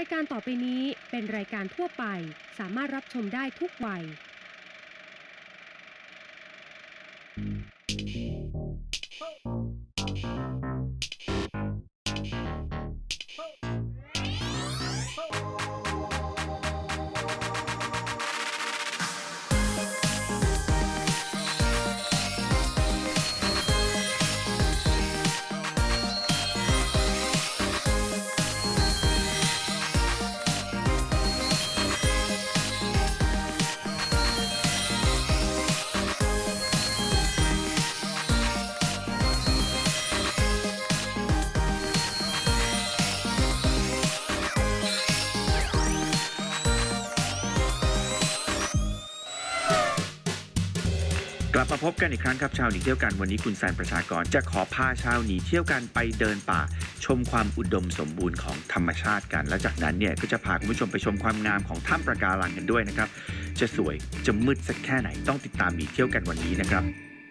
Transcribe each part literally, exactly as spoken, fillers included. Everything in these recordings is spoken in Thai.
ายการต่อไปนี้เป็นรายการทั่วไปสามารถรับชมได้ทุกวัยกลับมาพบกันอีกครั้งครับชาวหนีเที่ยวกันวันนี้คุณแซนประชากรจะขอพาชาวหนีเที่ยวกันไปเดินป่าชมความอุดมสมบูรณ์ของธรรมชาติกันและจากนั้นเนี่ยก็จะพาคุณผู้ชมไปชมความงามของถ้ำปะการังกันด้วยนะครับจะสวยจะมืดสักแค่ไหนต้องติดตามหนีเที่ยวกันวันนี้นะครับ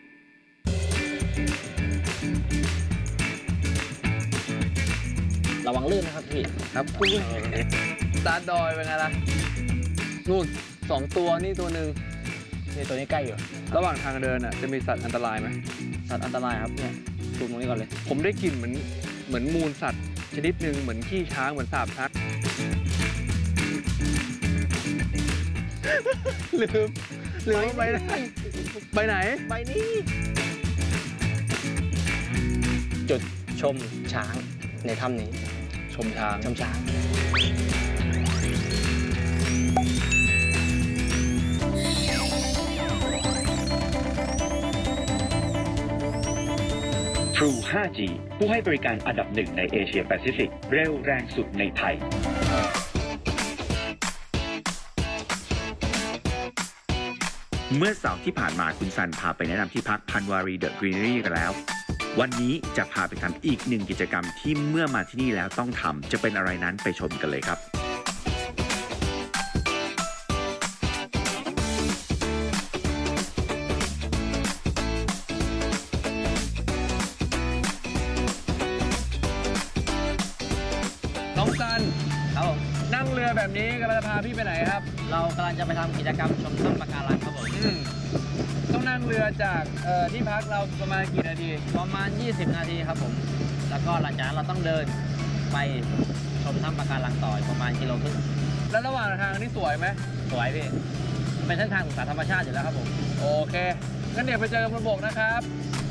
ระวังลื่นนะครับพี่ครับตาดอยเป็นไงล่ะนู่นสองตัวนี่ตัวหนึ่งนี่ตัวนี้ใกล้อยู่ระหว่างทางเดินอ่ะจะมีสัตว์อันตรายไหมสัตว์อันตรายครับเนี่ยดูตรงนี้ก่อนเลยผมได้กลิ่นเหมือนเหมือนมูลสัตว์ชนิดหนึ่งเหมือนขี้ช้างเหมือนสาบช้างลืมลืมไปไหนไปไหนไปนี่จุดชมช้างในถ้ำนี้ชมช้างชมช้าง True ไฟว์ จี ผู้ให้บริการอันดับหนึ่งในเอเชียแปซิฟิกเร็วแรงสุดในไทยเมื่อเสาร์ที่ผ่านมาคุณซันพาไปแนะนำที่พักพันวารีเดอะกรีนรีกันแล้ววันนี้จะพาไปทำอีกหนึ่งกิจกรรมที่เมื่อมาที่นี่แล้วต้องทำจะเป็นอะไรนั้นไปชมกันเลยครับน้องซันครับผมนั่งเรือแบบนี้กำลังจะพาพี่ไปไหนครับเรากำลังจะไปทำกิจกรรมชมถ้ำปะการังครับผมต้องนั่งเรือจากที่พักเราประมาณกี่นาทีประมาณยี่สิบนาทีครับผมแล้วก็หลังจากนั้นเราต้องเดินไปชมถ้ำปะการังต่อประมาณกิโลครึ่งแล้วระหว่างทางนี่สวยไหมสวยพี่เป็นเส้นทางศึกษาธรรมชาติอยู่แล้วครับผมโอเคงั้นเดี๋ยวไปเจอกันบนบกนะครับ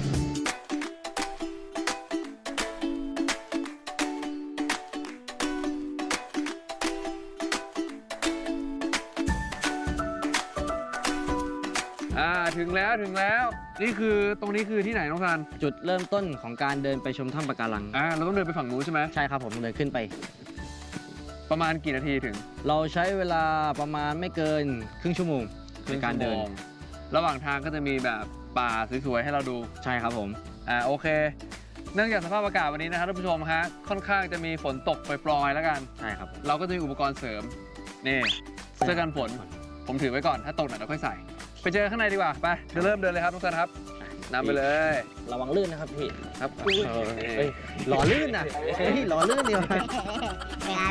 อ่าถึงแล้วถึงแล้วนี่คือตรงนี้คือที่ไหนน้องซันจุดเริ่มต้นของการเดินไปชมถ้ำปะการังอ่าเราต้องเดินไปฝั่งนู้นใช่ไหมใช่ครับผมเดินขึ้นไปประมาณกี่นาทีถึงเราใช้เวลาประมาณไม่เกินครึ่งชั่วโมงในการเดินระหว่างทางก็จะมีแบบป่าสวยๆให้เราดูใช่ครับผมอ่าโอเคเนื่องจากสภาพอากาศวันนี้นะครับท่านผู้ชมฮะค่อนข้างจะมีฝนตกปล่อยๆแล้วกันใช่ครับเราก็จะมีอุปกรณ์เสริมนี่เสื้อกันฝนผมถือไว้ก่อนถ้าตกหน่อยเราค่อยใส่ไปเจอข้างในดีกว่าไปจะเริ่มเดินเลยครับทุกท่านครับนำไปเลยระวังลื่นนะครับพี่ครับเฮ้ยหล่อลื่นนะเฮ้ยหล่อลื่นเดียวเวลาเวลา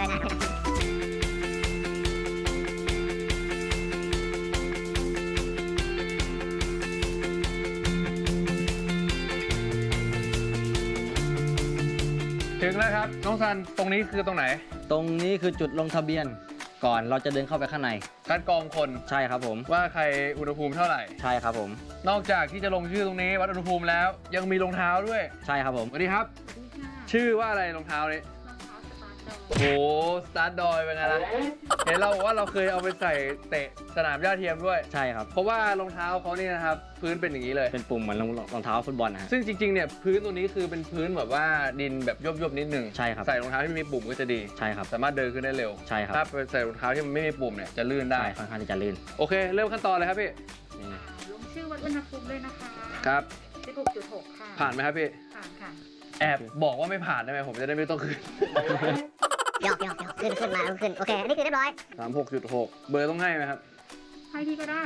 ถึงแล้วครับน้องซันตรงนี้คือตรงไหนตรงนี้คือจุดลงทะเบียนก่อนเราจะเดินเข้าไปข้างในคัดกรองคนใช่ครับผมว่าใครอุณหภูมิเท่าไหร่ใช่ครับผมนอกจากที่จะลงชื่อตรงนี้วัดอุณหภูมิแล้วยังมีรองเท้าด้วยใช่ครับผมสวัสดีครับชื่อว่าอะไรรองเท้านี้โอ้สตาร์ทดอยเป็นไงล่ะเห็นเราบอกว่าเราเคยเอาไปใส่เตะสนามหญ้าเทียมด้วยใช่ครับเพราะว่ารองเท้าเขานี่นะครับพื้นเป็นอย่างนี้เลยเป็นปุ่มเหมือนรองเท้าฟุตบอลนะซึ่งจริงๆเนี่ยพื้นตัวนี้คือเป็นพื้นแบบว่าดินแบบยบๆนิดนึงใช่ครับใส่รองเท้าที่มีปุ่มก็จะดีใช่ครับสามารถเดินขึ้นได้เร็วใช่ครับถ้าไปใส่รองเท้าที่มันไม่มีปุ่มเนี่ยจะลื่นได้ค่อนข้างที่จะลื่นโอเคเริ่มขั้นตอนเลยครับพี่ลงชื่อวัดอุณหภูมิเลยนะคะครับสิบหกจุดหก ค่ะผ่านไหมครับพี่ผ่านค่ะแอบบอกว่าไม่ผ่านได้ไหมผมจะได้ไม่ต้องขึ้นหยอกหยอกหยอกขึ้นขึ้นมาขึ้นโอเคนี่คือเรียบร้อยสามหกจุดหกเบอร์ต้องให้ไหมครับให้พี่ก็ได้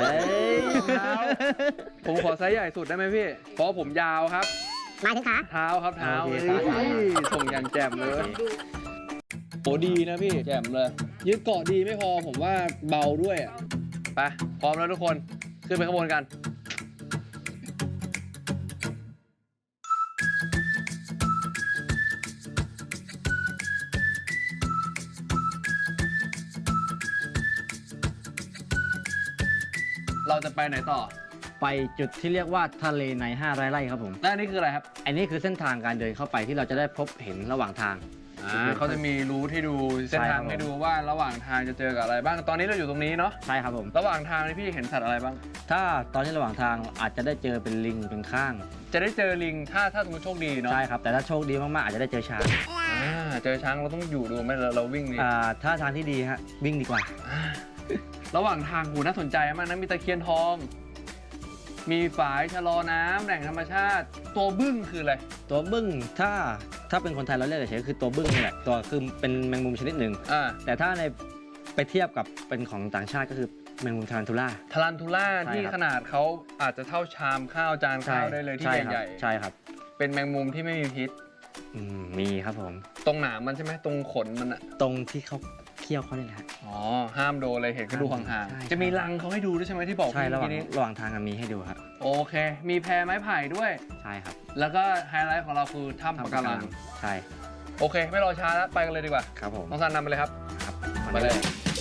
ผมขอไซส์ใหญ่สุดได้ไหมพี่เพราะผมยาวครับหมายถึงขาเท้าครับเท้าส่งอย่างแจ่มเลยโหดีนะพี่แจ่มเลยยึดเกาะดีไม่พอผมว่าเบาด้วยอ่ะไปพร้อมแล้วทุกคนขึ้นไปข้างบนกันเราจะไปไหนต่อไปจุดที่เรียกว่าทะเลในห้าร้อยไร่ครับผมและอันนี้คืออะไรครับอันนี้คือเส้นทางการเดินเข้าไปที่เราจะได้พบเห็นระหว่างทางอ่าเขาจะมีรูทให้ดูเส้นทางให้ดูว่าระหว่างทางจะเจอกับอะไรบ้างตอนนี้เราอยู่ตรงนี้เนาะใช่ครับผมระหว่างทางนี่พี่เห็นสัตว์อะไรบ้างถ้าตอนนี้ระหว่างทางอาจจะได้เจอเป็นลิงเป็นข้างจะได้เจอลิงถ้าถ้าสมมติโชคดีเนาะใช่ครับแต่ถ้าโชคดีมากๆอาจจะได้เจอช้างอ่าเจอช้างเราต้องอยู่ดูไหมเราวิ่งนี่อ่าถ้าทางที่ดีฮะวิ่งดีกว่าระหว่างทางหูน่าสนใจมากนะมีตะเคียนทองมีฝายชะลอน้ำแหล่งธรรมชาติตัวบึ้งคืออะไรตัวบึ้งถ้าถ้าเป็นคนไทยเราเรียกเฉยๆคือตัวบึ้งนี่แหละตัวคือเป็นแมงมุมชนิดหนึ่งแต่ถ้าในไปเทียบกับเป็นของต่างชาติก็คือแมงมุมทารันทูล่าทารันทูล่าที่ขนาดเขาอาจจะเท่าชามข้าวจานข้าวได้เลยที่ใหญ่ๆใช่ครับเป็นแมงมุมที่ไม่มีพิษมีครับผมตรงหนามมันใช่ไหมตรงขนมันอะตรงที่เขาเขี้ยวเขาเนี่ยแหละอ๋อห้ามโดนเลยเห็นเขาดูห่างๆจะมีรังเขาให้ดูด้วยใช่ไหมที่บอกใช่ระหว่างระหว่างทางมีให้ดูครับโอเคมีแพไม้ไผ่ด้วยใช่ครับแล้วก็ไฮไลท์ของเราคือถ้ำปะการังใช่โอเคไม่รอช้าแล้วไปกันเลยดีกว่าครับผมน้องซันนำไปเลยครับครับไปเลย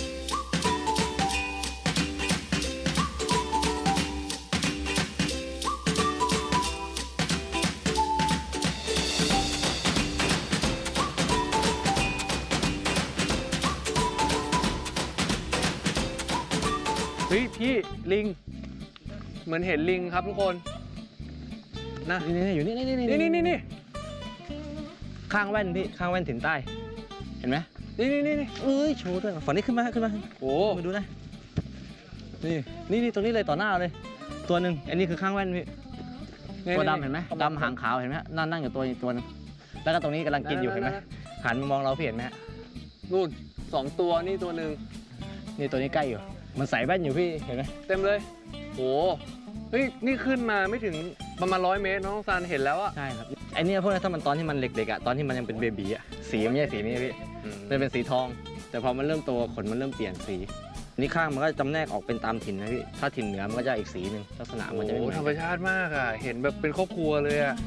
เฮ้ยพี่ลิงเหมือนเห็นลิงครับทุกคนนะนี่อยู่นี่นี่นี่นี่นี่นี่ข้างแว่นพี่ข้างแว่นถึงใต้เห็นไหมนี่นี่นี่เอ้ยโชว์ด้วยฝั่งนี้ขึ้นมาขึ้นมาโอ้มาดูนะนี่นี่นี่ตรงนี้เลยต่อหน้าเลยตัวหนึ่งอันนี้คือข้างแว่นพี่ตัวดำเห็นไหมดำหางขาวเห็นไหมนั่งนั่งอยู่ตัวอีกตัวนึงแล้วก็ตรงนี้กำลังกินอยู่เห็นไหมหันมามองเราพี่เห็นไหมนู่นสองตัวนี่ตัวหนึ่งนี่ตัวนี้ใกล้อยู่มันใส่แว่นอยู่พี่เห็นไหมเต็มเลยโอ้เฮ้ยนี่ขึ้นมาไม่ถึงประมาณร้อยเมตรน้องซานเห็นแล้วอะใช่ครับไอ้นี่พวกนั้นถ้ามันตอนที่มันเด็กๆอะตอนที่มันยังเป็นเบบีอะสีมันไม่ใช่สีนี้พี่มันเป็นสีทองแต่พอมันเริ่มโตขนมันเริ่มเปลี่ยนสีนี่ข้างมันก็จำแนกออกเป็นตามถิ่นนะพี่ถ้าถิ่นเหนือมันก็จะอีกสีหนึ่งลักษณะมันจะไม่เหมือนธรรมชาติมากอะเห็นแบบเป็นครอบครัวเลยอะ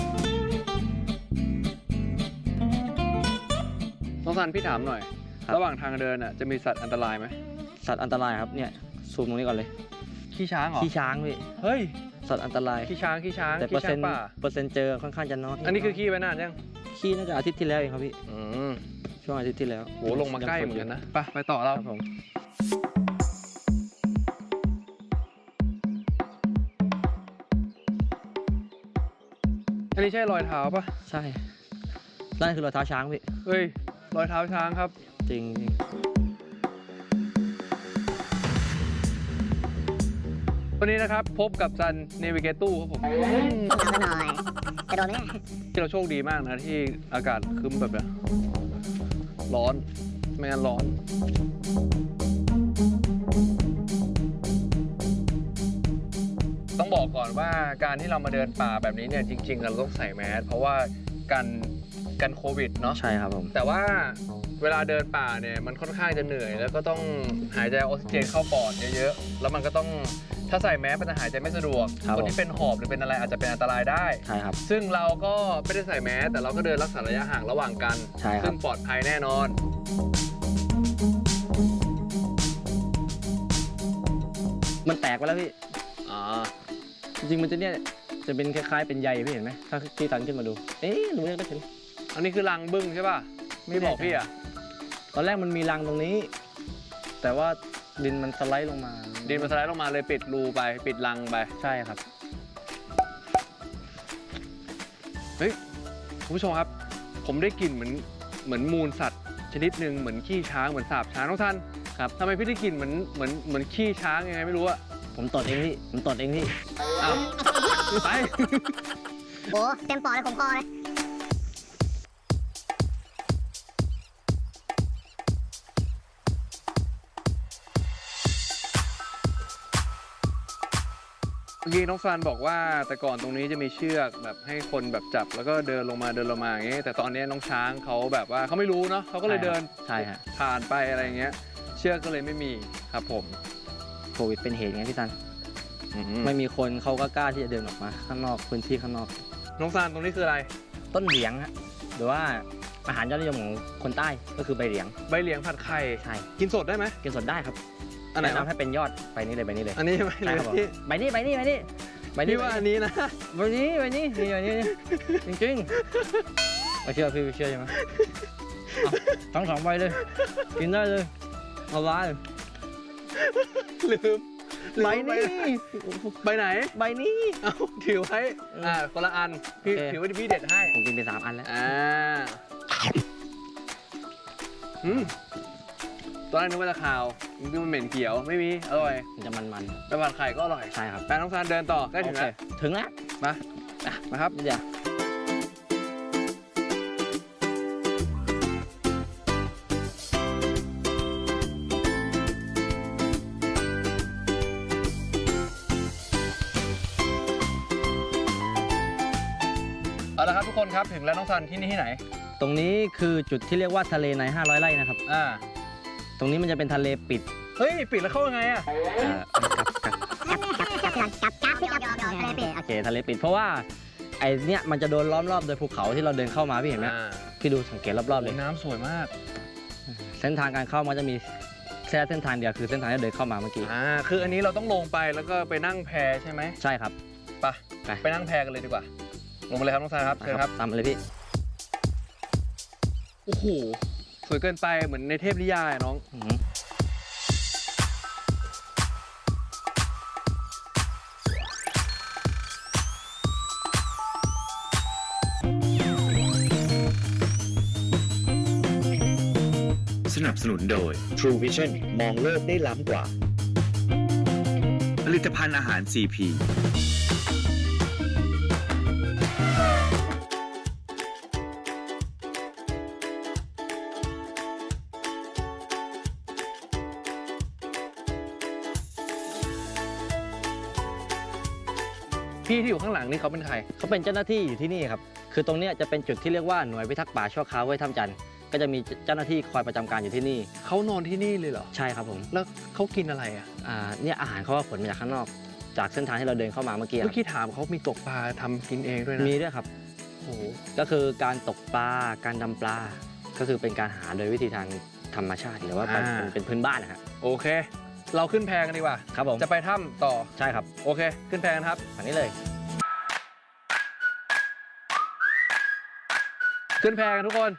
น้องซานพี่ถามหน่อยระหว่างทางเดินอะจะมีสัตว์อันตรายไหมสัตว์อันตรายครับเนี่ยซูมตรงนี้ก่อนเลยขี้ช้างเหรอขี้ช้างพี่เฮ้ยสัตว์อันตรายขี้ช้างขี้ช้างแต่เปอร์เซ็นต์เปอร์เซ็นต์เจอค่อนข้างจะน้อยอันนี้คือขี้ไปนานยังขี้น่าจะอาทิตย์ที่แล้วเองครับพี่ช่วงอาทิตย์ที่แล้วโหลงมาใกล้เหมือนกันนะไปไปต่อเราครับผมอันนี้ใช่รอยเท้าปะใช่นั่นคือรอยเท้าช้างพี่เฮ้ยรอยเท้าช้างครับจริงวันนี้นะครับพบกับซันเนวิเกตู้ครับผมหน่อยจะโดนไหมที่เราโชคดีมากนะที่อากาศคึ้มแบบนี้ร้อนไม่งั้นร้อนต้องบอกก่อนว่าการที่เรามาเดินป่าแบบนี้เนี่ยจริงๆเราต้องใส่แมสเพราะว่ากันกันโควิดเนาะใช่ครับผมแต่ว่าเวลาเดินป่าเนี่ยมันค่อนข้างจะเหนื่อยแล้วก็ต้องหายใจออกซิเจนเข้าปอดเยอะๆแล้วมันก็ต้องถ้าใส่แมสมันจะหายใจไม่สะดวกคนที่เป็นหอบหรือเป็นอะไรอาจจะเป็นอันตรายได้ใช่ครับซึ่งเราก็ไม่ได้ใส่แมสแต่เราก็เดินรักษาระยะห่างระหว่างกันใช่ครับซึ่งปลอดภัยแน่นอนมันแตกไปแล้วพี่อ๋อจริงๆมันจะเนี่ยจะเป็นคล้ายๆเป็นใยพี่เห็นไหมถ้าพี่ตันขึ้นมาดูเอ๊ะหนูยังได้เห็นอันนี้คือรังบึ้งใช่ป่ะไม่บอกพี่อ่ะตอนแรกมันมีรังตรงนี้แต่ว่าดินมันสไลด์ลงมาดินมันสไลด์ลงมาเลยปิดรูไปปิดรังไปใช่ครับเฮ้ยคุณผู้ชมครับผมได้กลิ่นเหมือนเหมือนมูลสัตว์ชนิดหนึ่งเหมือนขี้ช้างเหมือนสาบช้างน้องท่านครับทำไมพี่ได้กลิ่นเหมือนเหมือนเหมือนขี้ช้างยังไงไม่รู้อะผมตดเองพี่ผมตดเองพี่อ้าวไปโอ้เต็มปอดเลยผมคอเลยเมื่อกี้น้องซันบอกว่าแต่ก่อนตรงนี้จะมีเชือกแบบให้คนแบบจับแล้วก็เดินลงมาเดินลงมาอย่างเงี้ยแต่ตอนนี้น้องช้างเขาแบบว่าเขาไม่รู้เนาะเขาก็เลยเดินใช่ฮะผ่านไปอะไรเงี้ยเชือกก็เลยไม่มีครับผมโควิดเป็นเหตุไงพี่ซันอืมไม่มีคนเขาก็กล้าที่จะเดินออกมาข้างนอกพื้นที่ข้างนอกน้องซันตรงนี้คืออะไรต้นเหลียงฮะหรือว่าอาหารยอดนิยมของคนใต้ก็คือใบเหลียงใบเหลียงผัดไข่ใช่กินสดได้ไหมกินสดได้ครับอันไหนแนะวะนำให้เป็นยอดใบนี้เลยใบนี้เลยอันนี้ใบเหใช่ลียครับผมงที่ใบนี้ใบนี้ใบนี้ใบนี้พี่ว่าอันนี้นะใบนี้ใบนี้นี่ใบนี้จริงๆไม่เชื่อพี่ไม่เชื่อใช่ไหมเอาทั้งสองใบเลยกินได้เลยเอาไว้ลืมใบนี้ใบไหนใบนี้เอาถือไว้อ่าคนละอันพี่โอเคถือว่าพี่เด็ดให้ผมกินไปสามอันแล้วอ่าอืมตอนแรกนึกว่าจะขาวจริงๆมันเหม็นเขียวไม่มีอร่อยมันจะมันแต่ผัดไข่ก็อร่อยๆใช่ครับแปน้องซานเดินต่อใกล้ถึงแล้วโอเคถึงแล้วมาอ่ะมาครับเดี๋ยวเอาละครับทุกคนครับถึงแล้วน้องซันที่นี่ที่ไหนตรงนี้คือจุดที่เรียกว่าทะเลในห้าร้อยไร่นะครับอ่าตรงนี้มันจะเป็นทะเลปิดเฮ้ยปิดแล้วเข้ายังไงอะเอ่อกับกับจับจับจับจับจับจับจับเลยโอเคทะเลปิดเพราะว่าไอเนี้ยมันจะโดนล้อมรอบโดยภูเขาที่เราเดินเข้ามาพี่เห็นไหมอ่าพี่ดูสังเกตรอบๆเลยน้ำสวยมากเส้นทางการเข้ามันจะมีแค่เส้นทางเดียวคือเส้นทางที่เดินเข้ามาเมื่อกี้อ่าคืออันนี้เราต้องลงไปแล้วก็ไปนั่งแพใช่ไหมใช่ครับไปไปไปนั่งแพกันเลยดีกว่าลงมาเลยครับน้องซันครับเชิญครับตามมาเลยพี่โอ้โหสวยเกินไปเหมือนในเทพนิยายอะน้องอื้อหือสนับสนุนโดย True Vision มองโลกได้ล้ำกว่า ผลิตภัณฑ์อาหาร ซี พีพี่ที่อยู่ข้างหลังนี่เขาเป็นใครเขาเป็นเจ้าหน้าที่อยู่ที่นี่ครับคือตรงเนี้ยจะเป็นจุดที่เรียกว่าหน่วยพิทักษ์ป่าชั่วคราวห้วยถ้ำจันทร์ก็จะมีเจ้าหน้าที่คอยประจำการอยู่ที่นี่เขานอนที่นี่เลยเหรอใช่ครับผมแล้วเขากินอะไรอ่ะอ่าเนี่ยอาหารเขาว่าขนมาจากข้างนอก จากเส้นทางที่เราเดินเข้ามาเมื่อกี้คเมื่รัอบ กี้ถามเขามีตกปลาทำกินเองด้วยนะมีด้วยครับโอ้โหก็คือการตกปลาการดำปลา ก็คือเป็นการหาโดยวิธีทางธรรมชาติหรือว่าเป็นเป็นเป็นพื้นบ้านนะครับโอเค เราขึ้นแพกันดีกว่าครับผมจะไปถ้ำต่อใช่ครับโอเค ขึ้นแพกันครับอันนี้เลยขึ้นแพกันทุกคน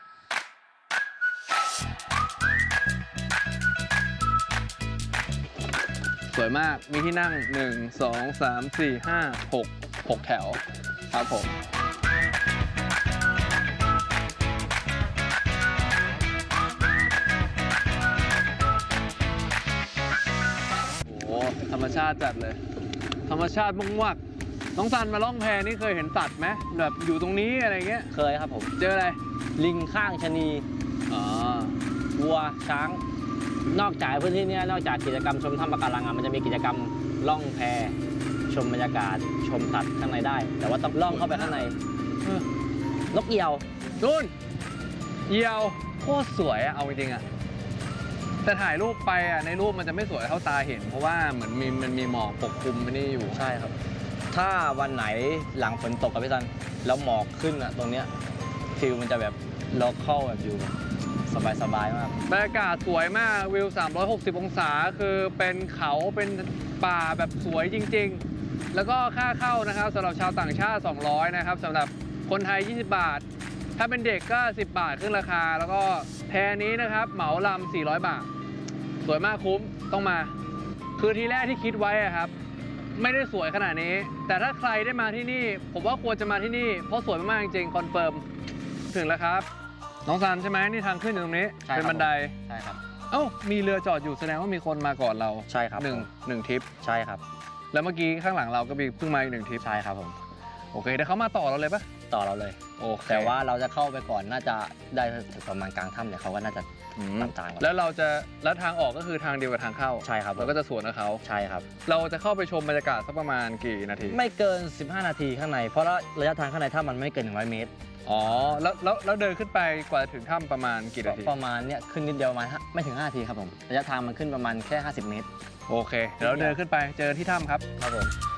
สวยมาก มีที่นั่ง หนึ่ง สอง สาม สี่ ห้า หก หกแถว ครับผม โอ้โห ธรรมชาติจัดเลย ธรรมชาติมากๆน้องซันมาล่องแพนี่เคยเห็นสัตว์ไหมแบบอยู่ตรงนี้อะไรเงี้ยเคยครับผมเจออะไรลิงข้างชะนีอ๋อวัวช้าง นอกจากพื้นที่เนี้ยนอกจากกิจกรรมชมถ้ำปะการังอะมันจะมีกิจกรรมล่องแพชมบรรยากาศชมสัตว์ข้างในได้ แต่ว่าต้องล่องเข้าไปข้างในเออนกเอี่ยวนู่นเหยี่ยวโคตรสวยอะเอาจริงๆอะแต่ถ่ายรูปไปอะในรูปมันจะไม่สวยเท่าตาเห็น เพราะว่าเหมือนมีมันมีหมอกปกคลุมไม่ได้อยู่ใช่ครับ ถ้าวันไหนหลังฝนตกกับพี่ซันแล้วหมอกขึ้นอะตรงเนี้ยฟิลมันจะแบบล็อกเข้าแบบอยู่สบายๆมากบรรยากาศสวยมากวิวสามร้อยหกสิบองศาคือเป็นเขาเป็นป่าแบบสวยจริงๆ แล้วก็ค่าเข้านะครับสำหรับชาวต่างชาติสองร้อยนะครับสำหรับคนไทยยี่สิบบาท ถ้าเป็นเด็กก็สิบบาทขึ้นราคา แล้วก็แพนี้นะครับเหมาลำสี่ร้อยบาท สวยมากคุ้มต้องมา คือทีแรกที่คิดไว้อะครับ ไม่ได้สวยขนาดนี้ แต่ถ้าใครได้มาที่นี่ ผมว่าควรจะมาที่นี่เพราะสวยมากๆจริงๆคอนเฟิร์มถึงแล้วครับน้องซันใช่ไหมนี่ทางขึ้นอยู่ตรงนี้ใช่ครับเป็นบันไดใช่ครับเอ้ามีเรือจอดอยู่แสดงว่ามีคนมาก่อนเราใช่ครับหนึ่งผมหนึ่งทริปใช่ครับแล้วเมื่อกี้ข้างหลังเราก็มีเพิ่งมาอีกหนึ่งทริปใช่ครับผมโอเคเดี๋ยวเขามาต่อเราเลยปะต่อเราเลยโอเคแต่ว่าเราจะเข้าไปก่อนน่าจะได้ถึงประมาณกลางถ้ำเนี่ยเขาก็น่าจะอืมตามทางก่อนแล้วเราจะแล้วทางออกก็คือทางเดียวกับทางเข้าใช่ครับเราก็จะสวนกับเขาใช่ครับเราจะเข้าไปชมบรรยากาศสักประมาณกี่นาทีไม่เกิน สิบห้า นาทีข้างในเพราะระยะทางข้างในถ้ำมันไม่เกินหนึ่งร้อยเมตรอ๋อแล้วแล้วแล้วเดินขึ้นไปกว่าถึงถ้ำประมาณกี่นาทีประมาณเนี่ยขึ้นนิดเดียวประมาณห้าไม่ถึงห้านาทีครับผมระยะทางมันขึ้นประมาณแค่ห้าสิบเมตรโอเคเดี๋ยวเราเดินขึ้นไปเจอที่ถ้ำครับครับผม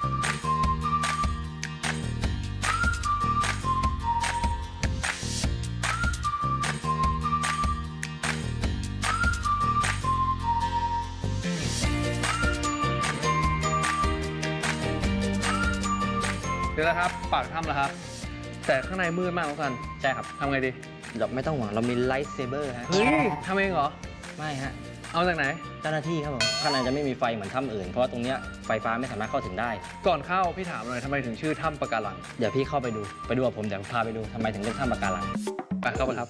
เดี๋ยวนะครับปากถ้ำแล้วครับ แต่ข้างในมืดมากน้องซันใช่ครับทำไงดีเราไม่ต้องห่วงเรามีไลท์เซเบอร์ฮะเฮ้ยทำเองเหรอไม่ฮะเอาจากไหนเจ้าหน้าที่ครับผมข้างในจะไม่มีไฟเหมือนถ้ำอื่นเพราะว่าตรงเนี้ยไฟฟ้าไม่สามารถเข้าถึงได้ก่อนเข้าพี่ถามหน่อยทำไมถึงชื่อถ้ำปะการังเดี๋ยวพี่เข้าไปดูไปดูกับผมเดี๋ยวพาไปดูทำไมถึงเรียกถ้ำปะการังไปเข้าไปครับ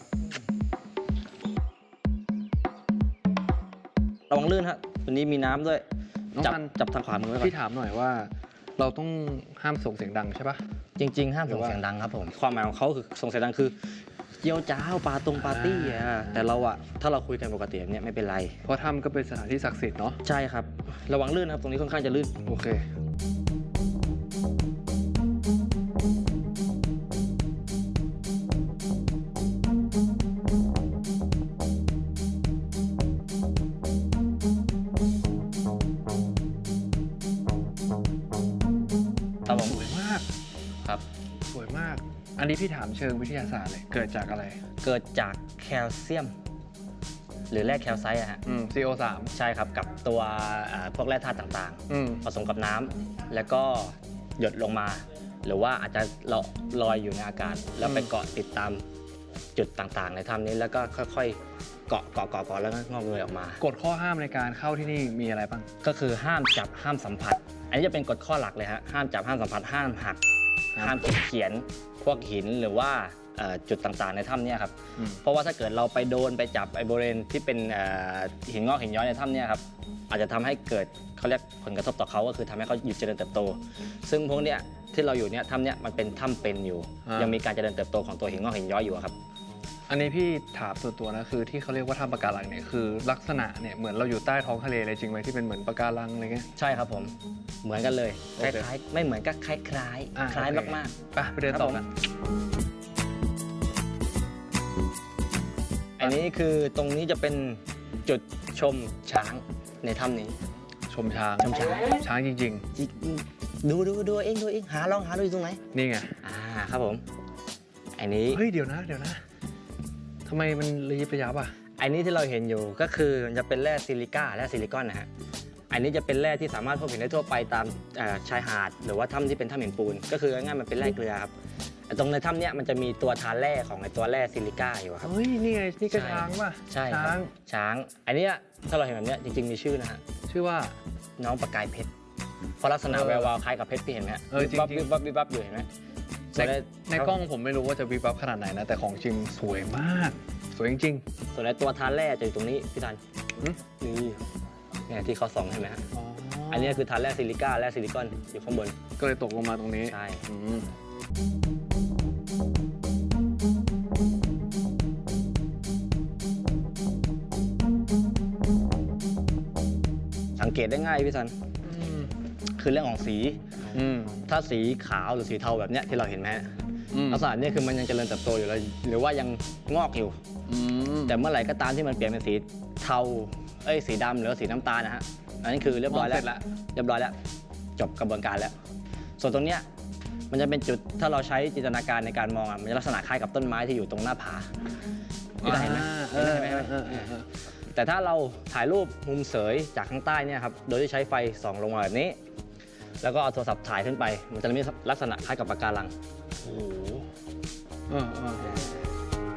ระวังลื่นฮะตัวนี้มีน้ำด้วยน้องจับซันจับทางขวามือไว้ก่อพี่นถามหน่อยว่า เราต้องห้ามส่งเสียงดังใช่ปะจริง ๆ ห้ามหรือส่งว่าเสียงดังครับผมความหมายของเขาคือส่งเสียงดังคือเยี่ยวจ้าวปาตรงปาร์ตี้อ่ะแต่เราอะถ้าเราคุยกันปกติแบบเนี้ยไม่เป็นไรเพราะถ้ำก็เป็นสถานที่ศักดิ์สิทธิ์เนาะใช่ครับ ระวังลื่นนะครับตรงนี้ค่อนข้างจะลื่นโอเคครับผมสวยมากครับสวยมาก อันนี้พี่ถามเชิงวิทยาศาสตร์เลยเกิดจากอะไรเกิดจากแคลเซียม หรือแร่แคลไซต์อะฮะอืม ซี โอ สามใช่ครับกับตัวอ่าพวกแร่ธาตุต่างอืมๆ ผสมกับน้ำแล้วก็หยดลงมา หรือว่าอาจจะลอยอยู่ในอากาศ แล้วไปเกาะติดตามจุดต่างๆ ในถ้ำนี้แล้วก็ค่อยๆเกาะเกาะเกาะเกาะแล้วก็งอกเงยออกมากฎข้อห้ามในการเข้าที่นี่มีอะไรบ้างก็คือห้ามจับห้ามสัมผัส อันนี้จะเป็นกฎข้อหลักเลยฮะห้ามจับห้ามสัมผัสห้ามหักครับห้ามเขียนพวกหินหรือว่าเอ่อจุดต่างๆในถ้ำเนี่ยครับอืมเพราะว่าถ้าเกิดเราไปโดนไปจับไอ้บริเวณที่เป็นเอ่อหินงอกหินย้อยในถ้ำเนี่ยครับอาจจะทำให้เกิดเขาเรียกผลกระทบต่อเขาก็คือทำให้เขาหยุดเจริญเติบโต ซึ่งพวกเนี้ยที่เราอยู่เนี่ยถ้ำเนี่ยมันเป็นถ้ำเป็นอยู่อ่ายัยังมีการเจริญเติบโตของตัวหินงอกหินย้อยอยู่อะครับอันนี้พี่ถามส่วนตัวนะคือที่เขาเรียกว่าถ้ำปะการังเนี่ยคือลักษณะเนี่ยเหมือนเราอยู่ใต้ท้องทะเลเลยจริงไหมที่เป็นเหมือนปะการังอะไรเงี้ยใช่ครับผมเหมือนกันเลยโอคเคล้ายๆไม่เหมือนก็คล้ายอ่ะๆคล้ายโอเคมากไปไปเดินต่อกันๆ อันนี้คือตรงนี้จะเป็นจุดชมช้างในถ้ำนี้ชมช้างชมช้างช้างจริงจิดูดูดูเองดูเองหาลองหาดูอยู่ตรงไหนๆ นี่ไงอ่าครับผมอันนี้เฮ้ยเดี๋ยวนะเดี๋ยวนะทำไมมันระยิบระยับอ่ะอันนี้ที่เราเห็นอยู่ก็คือมันจะเป็นแร่ซิลิก้าแร่ซิลิคอนนะฮะอันนี้จะเป็นแร่ที่สามารถพบเห็นได้ทั่วไปตามเอ่อชายหาดหรือว่าถ้ำที่เป็นถ้ำหินปูนก็คือง่ายๆมันเป็นแร่เกลือครับแต่ตรงในถ้ำเนี้ยมันจะมีตัวทานแร่ของไอตัวแร่ซิลิก้าอยู่ครับเฮ้ยนี่ไงนี่ก็ใช่ช้างป่ะใช่คช้ารับงช้าง อันเนี้ยถ้าเราเห็นแบบเนี้ยจริงๆมีชื่อนะฮะชื่อว่าน้องประกายเพชรเพราะลักษณะเออแวววาวคล้ายกับเพชรพี่เห็นไหมฮะเออจริงๆวิบวับวิบวับวิบวับอยู่เห็นไหมในในกล้องผมไม่รู้ว่าจะวิบวับขนาดไหนนะแต่ของจริงสวยมาก สวยจริงส่วนในตัวทานแร่จะอยู่ตรงนี้พี่ทันหืมนี่เนี่ยที่เขาส่องเห็นไหมฮะๆอ๋ออันนี้คือทานแร่ซิลิก้าแร่ซิลิคอนอยู่ข้างบนก็เลยตกลงมาตรงนี้ใช่อืมสังเกตได้ง่ายพี่ทันอืมคือเรื่องของสีอืมถ้าสีขาวหรือสีเทาแบบเนี้ยที่เราเห็นไหมฮะอืมลักษณะเนี้คือมันยังเจริญเติบโตอยู่เลยหรือว่ายังงอกอยู่อืมแต่เมื่อไหร่ก็ตามที่มันเปลี่ยนเป็นสีเทาเอ้ยสีดำหรือว่าสีน้ำตาลนะฮะอันนี้คือเรียบร้อยแล้วมงสจละเรียบร้อยแล้วจบกระบวนการแล้ว ส่วนตรงเนี้ยมันจะเป็นจุดถ้าเราใช้จินตนาการในการมองอ่ะมันจะลักษณะคล้ายกับต้นไม้ที่อยู่ตรงหน้าผาพี่ได้เห็นไหมเอเห็นอไหมเอเห็นไหมอเออเออเออแต่ถ้าเราถ่ายรูปมุมเสยจากข้างใต้เนี่ยครับโดยที่ใช้ไฟส่องลงมาแบบนี้ แล้วก็เอาโทรศัพท์ถ่ายขึ้นไป มันจะมีลักษณะคล้ายกับปะการังโอ้โหเออเออ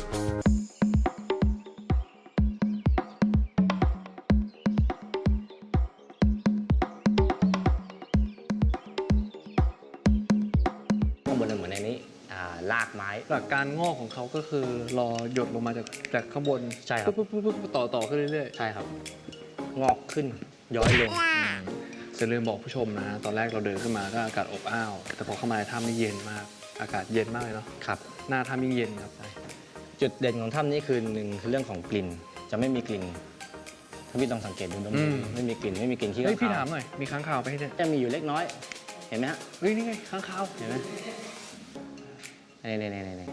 ข้างบนเหมือนในนี้อ่าลากไม้หลักการงอกของเขาก็คือรอหยดลงมาจากจากข้างบนใช่ครับปุ๊บปุ๊บปุ๊บปุ๊บต่อต่อขึ้นเรื่อยใช่ครับ งอกขึ้นย้อยลงๆจะลืมบอกผู้ชมนะ ตอนแรกเราเดินขึ้นมาก็อากาศอบอ้าว แต่พอเข้ามาในถ้ำนี่เย็นมากอากาศเย็นมากเลยเนาะครับหน้าถ้ำยิ่งเย็นครับจุดเด่นของถ้ำนี้คือหนึ่งคือเรื่องของกลิ่นจะไม่มีกลิ่นถ้าพี่ต้องสังเกตดูดมอืดูมไม่มีกลิ่นไม่มีกลิ่นขี้เฮ้ยข้างพี่คาถาว มหน่อยมีค้างคาวไปให้เนี่ยจะมีอยู่เล็กน้อย เห็นไหมฮะเฮ้ยนี่ไงค้างคาวเห็นไหมนี่นี่นี่นี่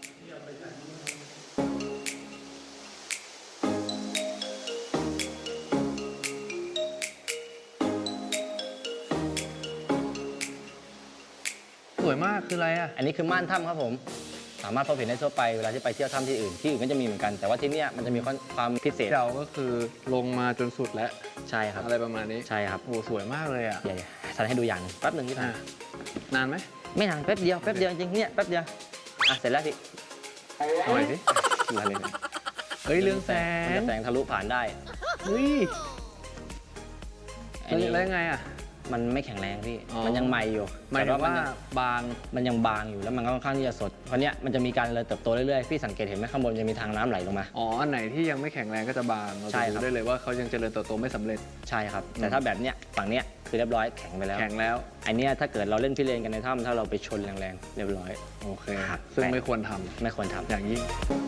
สวยมากคืออะไรอ่ะอันนี้คือม่านถ้ำครับผมสามารถพบเห็นได้ทั่วไปเวลาที่ไปเที่ยวถ้ำที่อื่นที่อื่นก็จะมีเหมือนกันแต่ว่าที่เนี่ยมันจะมีความพิเศษเราก็คือลงมาจนสุดแล้วใช่ครับอะไรประมาณนี้ใช่ครับโอ้สวยมากเลยอ่ะเดี๋ยวๆฉันให้ดูอย่างหนึ่งแป๊บหนึ่งพี่อ่ะทำนานไหมไม่นานแป๊บเดียวแป๊บเดียวจริงๆเนี่ยแป๊บเดียวอ่ะเสร็จแล้วพี่หน่อยสิมาเลยเฮ้ยเรื่องแสมันงจะแสงทะลุผ่านได้เฮ้ยอันนี้แล้วยังไงอ่ะมันไม่แข็งแรงพี่อ๋อมันยังใหม่อยู่หมายถึงว่าแต่นยังบางมันยังบางอยู่แล้วมันก็ค่อนข้างที่จะสดเพราะเนี้ยมันจะมีการเจริญเติบโตเรื่อยๆพี่สังเกตเห็นไหมข้างบนจะมีทางน้ำไหลลงมาอ๋อ อันไหนที่ยังไม่แข็งแรงก็จะบางเราใช่จะครับรู้ได้เลยว่าเขายังเจริญเติบโตไม่สำเร็จใช่ครับแต่ถ้าแบบเนี้ยฝั่งเนี้ยคือเรียบร้อยแข็งไปแล้วแข็งแล้วอันเนี้ยถ้าเกิดเราเล่นพิเรนกันในถ้ำถ้าเราไปชนแรงๆเรียบร้อยโอเคครับซึ่งแต่ไม่ควรทำไม่ควรทำอย่างยิ่ง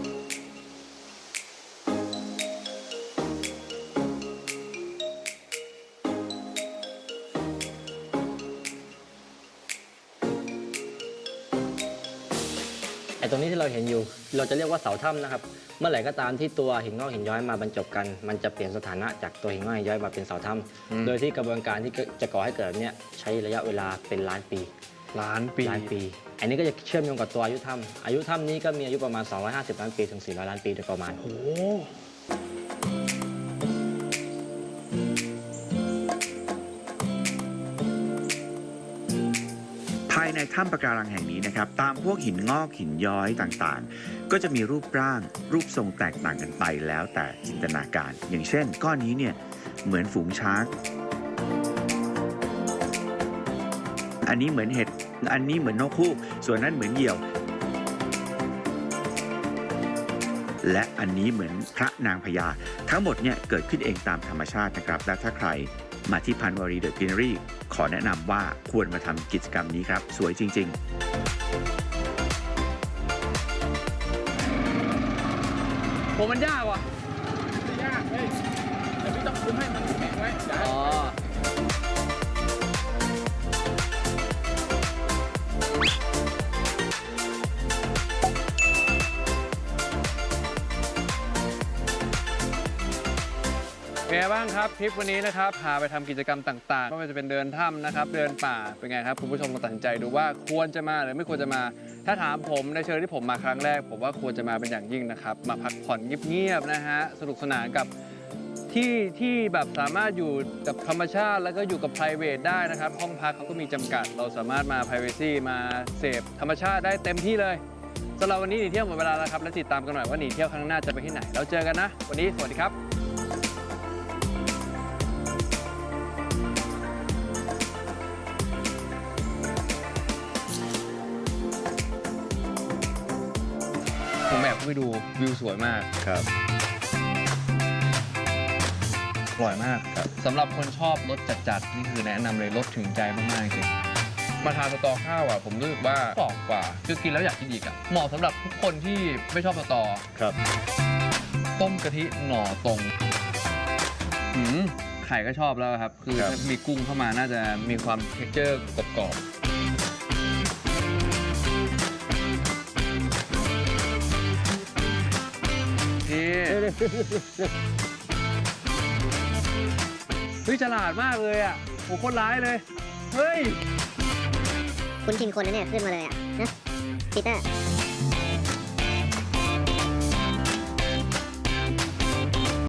ไอ้ตรงนี้ที่เราเห็นอยู่ เราจะเรียกว่าเสาถ้ำนะครับ เมื่อไหร่ก็ตามที่ตัวหินงอกหินย้อยมาบรรจบกัน มันจะเปลี่ยนสถานะจากตัวหินงอกหินย้อยมาเป็นเสาถ้อืมำโดยที่กระบวนการที่จะก่อให้เกิดแบบเนี้ยใช้ระยะเวลาเป็นล้านปีล้านปีล้านปี อันนี้ก็จะเชื่อมโยงกับตัวอายุถ้ำอายุถ้ำนี้ก็มีอายุประมาณ สองร้อยห้าสิบ ล้านปีถึง สี่ร้อย ล้านปีโดยประมาณโอ้ภายในถ้ำปะการังแห่งนี้นะครับตามพวกหินงอกหินย้อยต่างๆ ก็จะมีรูปร่างรูปทรงแตกต่างกันไปแล้วแต่จินตนาการ อย่างเช่น ก้อนนี้เนี่ยเหมือนฝูงช้าง อันนี้เหมือนเห็ดอันนี้เหมือนนกฮูกส่วนนั้นเหมือนเหยี่ยว และอันนี้เหมือนพระนางพญาทั้งหมดเนี่ยเกิดขึ้นเองตามธรรมชาตินะครับและถ้าใครมาที่พันวารีเดอะกรีนรีขอแนะนำว่าควรมาทำกิจกรรมนี้ครับ สวยจริง ๆผมมันยากว่ะยากเฮ้ยแต่พี่ต้องคุมให้มันแข็งไว้อ๋อ เป็นไงบ้างครับทริปวันนี้นะครับพาไปทำกิจกรรมต่างๆไม่ว่าจะเป็นเดินถ้ำนะครับเดินป่าเป็นไงครับคุณผู้ชมลองตัดสินใจดูว่าควรจะมาหรือไม่ควรจะมา ถ้าถามผมในเชิงที่ผมมาครั้งแรก ผมว่าควรจะมาเป็นอย่างยิ่งนะครับมาพักผ่อนเงียบๆนะฮะสนุกสนานกับที่ที่แบบสามารถอยู่กับธรรมชาติแล้วก็อยู่กับ private ได้นะครับห้องพักเขาก็มีจำกัด เราสามารถมา privacy มาเสพธรรมชาติได้เต็มที่เลยสำหรับวันนี้หนีเที่ยวหมดเวลาแล้วครับและติดตามกันหน่อยว่าหนีเที่ยวครั้งหน้าจะไปที่ไหนแล้วเจอกันนะวันนี้สวัสดีครับผมแบบไปดูวิวสวยมากครับอร่อยมากครับสำหรับคนชอบรสจัดๆนี่คือแนะนำเลยรสถึงใจมากๆจริงมาทานสตอข้าวอ่ะผมรู้สึกว่ากรอบกว่าคือกินแล้วอยากกินอีกอ่ะเหมาะสำหรับทุกคนที่ไม่ชอบสตอครับต้มกะทิหน่อตรงหืมไข่ก็ชอบแล้วครับ คือครับถ้ามีกุ้งเข้ามาน่าจะมีความเท็กเจอร์กรอบๆนี่เฮ้ยฉลาดมากเลยอ่ะโหโคตรร้ายเลย เฮ้ยคุณชินคนนะเนี่ยขึ้นมาเลยอ่ะนะปีเตอร์